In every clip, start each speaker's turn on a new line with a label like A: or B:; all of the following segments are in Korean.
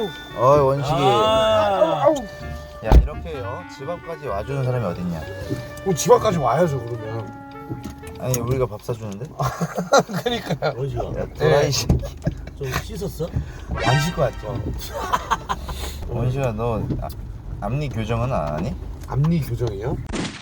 A: 원식이.
B: 아우.
A: 야, 이렇게 집 앞까지 와주는 사람이 어딨냐?
B: 집 앞까지 와야죠 그러면.
A: 아니, 우리가 밥 사주는데?
B: 그러니까요.
C: 원식아,
A: 야, 또라이 새끼.
C: 좀 씻었어?
B: 안 쉴 것 같죠.
A: 원식아, 너 앞니 교정은 안 하니?
B: 앞니 교정이요?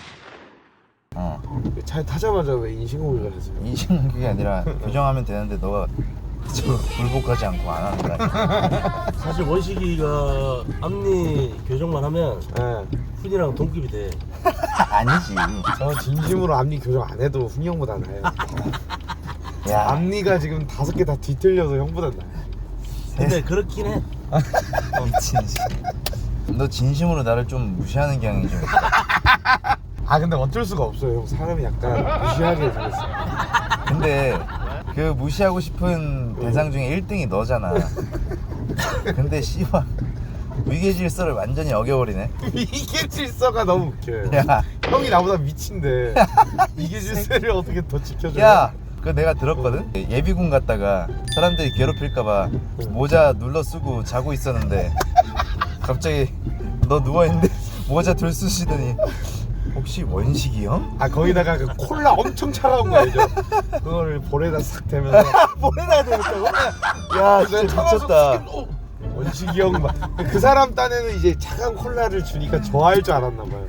B: 차에 타자마자 왜 인신공격을 하세요?
A: 인식은 그게 아니라 교정하면 되는데 너가 굴복하지 않고 안 하는 거야.
C: 사실 원식이가 앞니 교정만 하면
B: 네.
C: 훈이랑 동급이 돼.
A: 아니지.
B: 저 진심으로 앞니 교정 안 해도 훈이 형보다 나아요.
A: 야,
B: 앞니가 지금 5개 다 뒤틀려서 형보다 나아요.
C: 근데 그렇긴 해.
A: 미친. 너 진심으로 나를 좀 무시하는 경향이 좀.
B: 아 근데 어쩔 수가 없어요 형. 사람이 약간 무시하게 생겼어요.
A: 근데 그 무시하고 싶은 대상 중에 1등이 너잖아. 근데 씨발 위계 질서를 완전히 어겨버리네.
B: 이게 질서가 너무 웃겨요.
A: 야,
B: 형이 나보다 미친데 이게 질서를 어떻게 더 지켜줘요?
A: 야, 그거 내가 들었거든. 예비군 갔다가 사람들이 괴롭힐까봐 모자 눌러 쓰고 자고 있었는데 갑자기 너 누워 있는데 모자 들 쓰시더니 혹시 원식이 형?
B: 아 거기다가 그 콜라 엄청 차가운 거 알죠? 그거를 볼에다 싹 대면서
A: 볼에다 대었다고? 야, 진짜 미쳤다.
B: 원식이 형 막 그 사람 딴에는 이제 차가운 콜라를 주니까 좋아할 줄 알았나 봐요.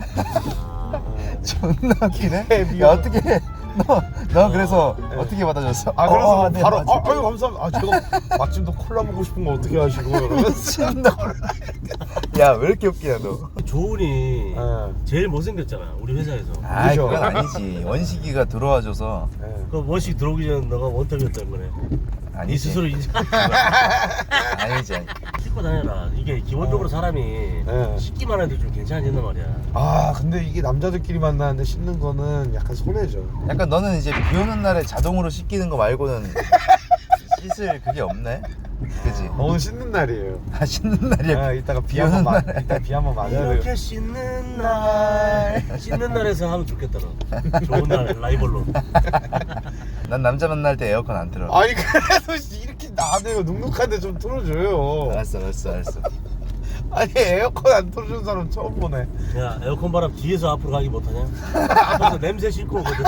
A: 존나 웃기네.
B: 미안.
A: 야, 어떻게 너 그래서 어떻게 받아줬어?
B: 아 그래서
A: 네,
B: 바로
A: 맞아.
B: 아유 감사합니다. 아 제가 마침 또 콜라 먹고 싶은 거 어떻게 하시고 이러면서
A: 야, 왜 이렇게 웃기냐 너?
C: 조은이
B: 네.
C: 제일 못생겼잖아 우리 회사에서.
A: 아,
B: 그죠?
A: 그건 아니지. 원식이가 들어와줘서.
B: 네.
C: 그 원식 들어오기 전에 너가 원탑이었다는 거네. 네
A: 아니지.
C: 스스로 인정.
A: 아니지.
C: 씻고 다녀라. 이게 기본적으로 사람이
B: 네.
C: 씻기만 해도 좀 괜찮아진단 말이야.
B: 아 근데 이게 남자들끼리 만나는데 씻는 거는 약간 손해죠.
A: 약간 너는 이제 비 오는 날에 자동으로 씻기는 거 말고는 씻을 그게 없네. 그지?
B: 오늘 씻는 날이에요.
A: 아, 씻는 날이야.
B: 아 이따가 비
A: 비
B: 한번
A: 오는
B: 맞
A: 날에.
B: 이따 비 한번 맞아야 돼요.
C: 이렇게 씻는 날 씻는 날에서 하면 좋겠다 너. 좋은 날 라이벌로.
A: 난 남자 만날 때 에어컨 안 틀어.
B: 아니 그래도 이렇게 나대요. 눅눅한데 좀 틀어줘요.
A: 알았어.
B: 아니 에어컨 안 틀어주는 사람 처음 보네.
C: 야 에어컨 바람 뒤에서 앞으로 가기 못하냐? 앞에서 냄새 싣고 오거든.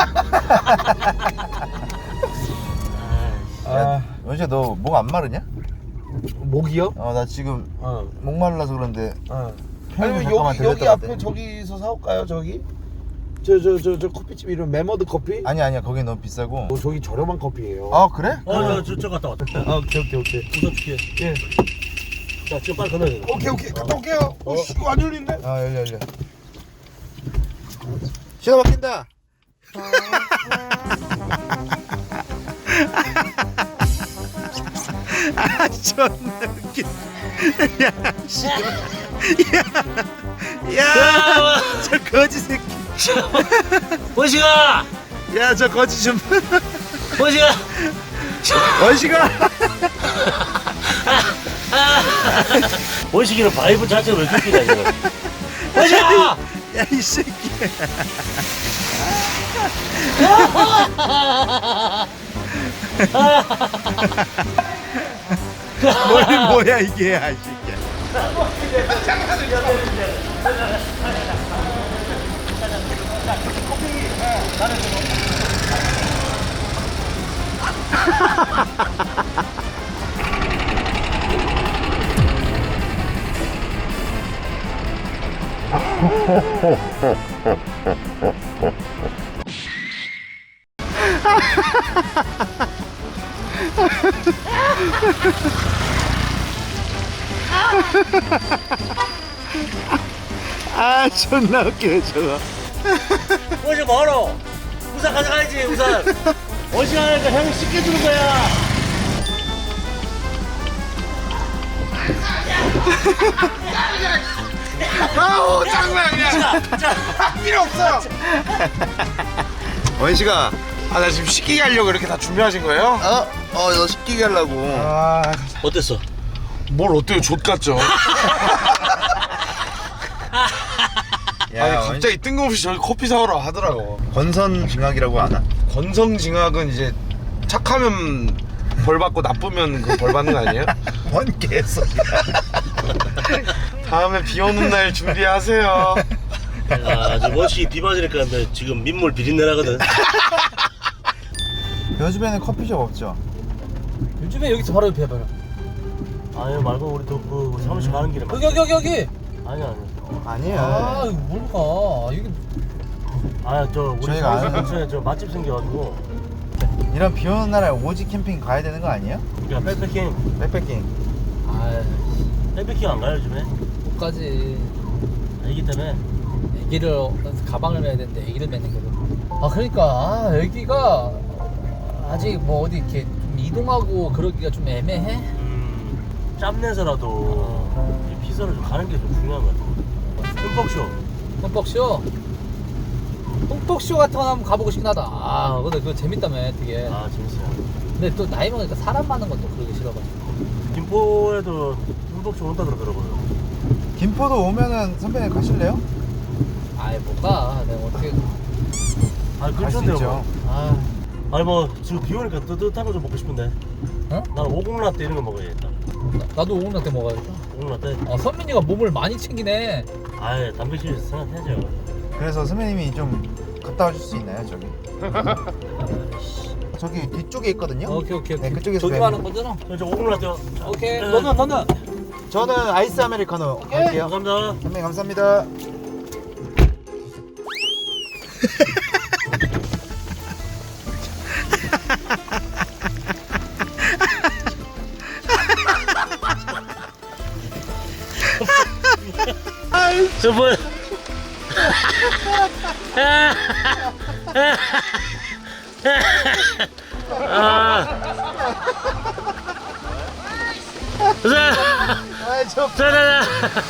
A: 야, 원식아 너 목 안 마르냐?
B: 목이요?
A: 나 지금
B: 어.
A: 목 말라서 그런데.
B: 어.
A: 형님
B: 아니면
A: 잠깐만
B: 여기
A: 들렸다
B: 앞에
A: 갔대.
B: 저기서 사올까요 저기? 저 커피집 이름 메머드 커피?
A: 아니야 거기 너무 비싸고.
B: 저기 저렴한 커피예요.
A: 아, 그래?
C: 저 갔다 왔다.
B: 오케이.
C: 우선 줄게.
B: 예.
C: 자 지금 빨리 건너야 돼.
B: 오케이 갔다 올게요. 씨 이거 안 열린데?
A: 아, 열려. 신호 바뀐다. 아, 존나 웃겨. 야, 씨. 야, 저 거지 새끼.
C: 원식아!
A: 야, 저 거지 좀.
C: 원식아!
A: 원식아.
C: 원식이는 바이브 자체가 왜 이렇게 웃기냐 이거. 원식아!
A: 야, 이 새끼. 뭐야 이게, 아, 이 새끼야. 아, 존나 웃기네 저거.
C: 원식 뭐하러? 우산 가져가야지 우산. 원식 하니까 형이 씻겨주는 거야.
B: 아우 장난이야. 필요 없어요.
A: 원식아.
B: 아 나 지금 씻기게 하려고 이렇게 다 준비하신 거예요?
A: 너 씻기게 하려고.
C: 어땠어?
B: 뭘 어때요? 족 같죠? 아니 갑자기 뜬금없이 저기 커피 사오라 하더라고.
A: 건선징악이라고 아나?
B: 건성징악은 이제 착하면 벌 받고 나쁘면 그 벌 받는 거 아니에요?
A: 뭔 개소리야.
B: 다음에 비 오는 날 준비하세요.
C: 야, 지금 원씨 비 맞으니까 근데 지금 민물 비린내 나거든.
A: 요즘에는 커피숍 없죠?
D: 요즘에 여기서 바로 옆에 해봐요.
C: 아니 말고 우리 그 사무실 가는 길에
D: 여기.
C: 아니야.
A: 아니에요.
D: 아 이거 뭘 가? 이게
C: 저 우리
A: 저희가
C: 사무실
A: 아는-
C: 근처에 저 맛집 생겨가지고
A: 이런 비 오는 날에 오지 캠핑 가야 되는 거 아니에요?
C: 야 백패킹
A: 백패킹.
D: 아
C: 백패킹 안 가요 요즘에?
D: 못 가지.
C: 애기 때문에.
D: 애기를 가방을 매야 되는데 애기를 매는 거고. 아 그러니까 애기가 아직 뭐 어디 이렇게 좀 이동하고 그러기가 좀 애매해.
C: 짬내서라도 이 피서를 좀 가는 게 좀 중요한 것 같아. 흠뻑쇼.
D: 흠뻑쇼. 흠뻑쇼 같은 거 한번 가보고 싶긴 하다. 아 근데 그거 재밌다며 되게.
C: 아 재밌어요.
D: 근데 또 나이 먹으니까 사람 많은 것도 그러기 싫어가지고.
C: 김포에도 흠뻑쇼 온다 그러더라고요.
A: 김포도 오면은 선배님 가실래요?
D: 아이 못 가. 내가 어떻게.
C: 아
A: 갈 수
C: 근처인데요.
A: 있죠.
C: 뭐.
D: 아
C: 아니 뭐 지금 비 오니까 뜨뜻한 거 좀 먹고 싶은데.
D: 어?
C: 난 오곡라떼 이런 거 먹어야겠다.
D: 나도 오공라떼 먹어야겠다.
C: 오곡라떼.
D: 아 선민이가 몸을 많이 챙기네.
C: 아예 단백질 생각해야죠.
A: 그래서 선배님이 좀 갔다 와줄 수 있나요 저기? 저기 뒤쪽에 있거든요.
D: 오케이.
A: 네, 그쪽에서
D: 저기
A: 뵈면-
D: 하는 거잖아.
C: 저 오곡라떼.
D: 오케이.
C: 네.
D: 너는.
A: 저는 아이스 아메리카노 할게요.
C: 감사합니다.
A: 선배님 감사합니다.
C: 저 뭐야? 자,
A: 아저
C: 자.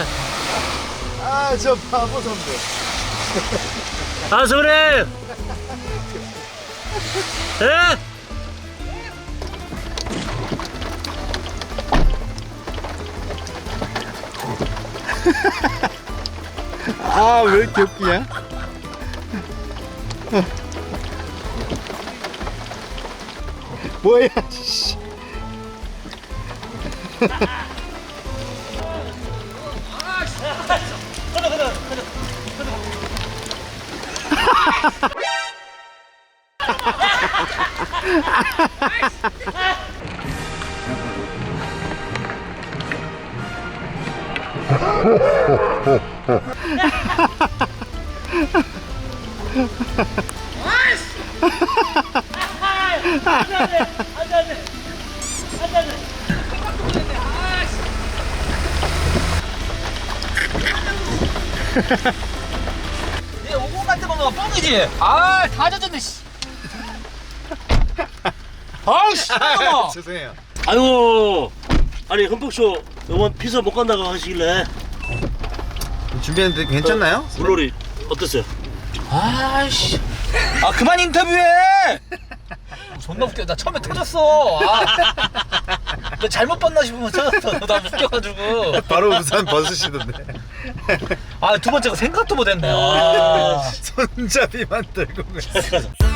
A: 저 바보 선배.
C: 아, 선배님! 예?
A: 아 왜 이렇게 웃기냐? 뭐야? 씨.
D: 얘 오공라떼 먹으면 뻥이지. 다 젖었네. 씨. 아우 씨.
A: 죄송해요.
C: 아유, 아니, 흠뻑쇼 이번 피서 못 간다고 하시길래
A: 준비했는데 괜찮나요?
C: 물놀이 어땠어요?
D: 아이씨. 아 그만 인터뷰해. 존나 웃겨. 나 처음에 터졌어. 너 잘못 봤나 싶으면 터졌어. 나 웃겨가지고.
A: 바로 우산 벗으시던데.
D: 두 번째가 생각도 못했네. 아.
A: 손잡이만 들고.